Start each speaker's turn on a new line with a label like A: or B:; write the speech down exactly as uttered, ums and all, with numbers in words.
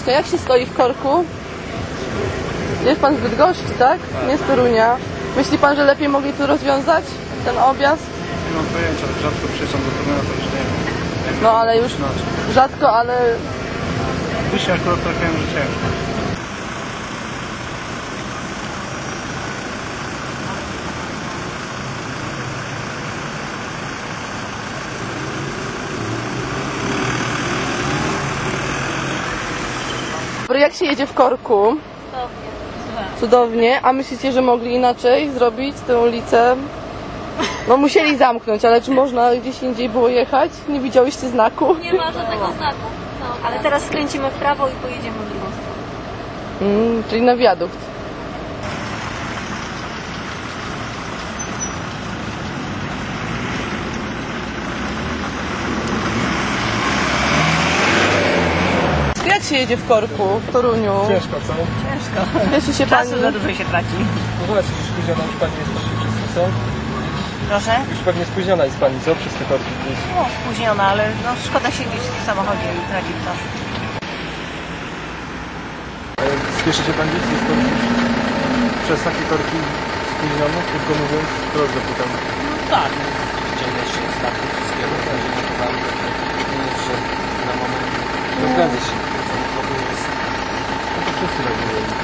A: właśnie, jak się stoi w korku? Jest pan z Bydgoszczy, tak? Nie z Torunia. Myśli pan, że lepiej mogli tu rozwiązać ten objazd?
B: Nie mam pojęcia, rzadko przyjeżdżam do Torunia, to już nie wiem.
A: No ale już rzadko, ale...
B: Dzisiaj akurat trafiłem, że ciężko.
A: Jak się jedzie w korku? Cudownie. A myślicie, że mogli inaczej zrobić tę ulicę? No musieli zamknąć, ale czy można gdzieś indziej było jechać? Nie widziałyście znaku?
C: Nie ma żadnego znaku. No, ale teraz skręcimy w prawo i pojedziemy w drugą stronę.
A: Mm, czyli na wiadukt. Jak się jedzie w korku w Toruniu?
D: Ciężko, co?
C: Ciężko.
A: Cieszy się pani?
C: Czasu za dużo się traci.
D: No właśnie, już spóźniona już pani jest troszkę przez to, co?
C: Proszę?
D: Już pewnie spóźniona jest pani, co? Przez te korki gdzieś.
C: No, spóźniona, ale no, szkoda siedzieć w samochodzie i tracić czas.
D: E, Spieszy się pan gdzieś? Jest pan przez takie korki spóźniony? Krótko mówiąc, proszę zapytam.
E: No tak, ciągle się startu wszystkiego, w sensie nie podam, nie jest, że na moment
D: No zgadza się.
E: samochodu jest
D: No to wszyscy tak mówią.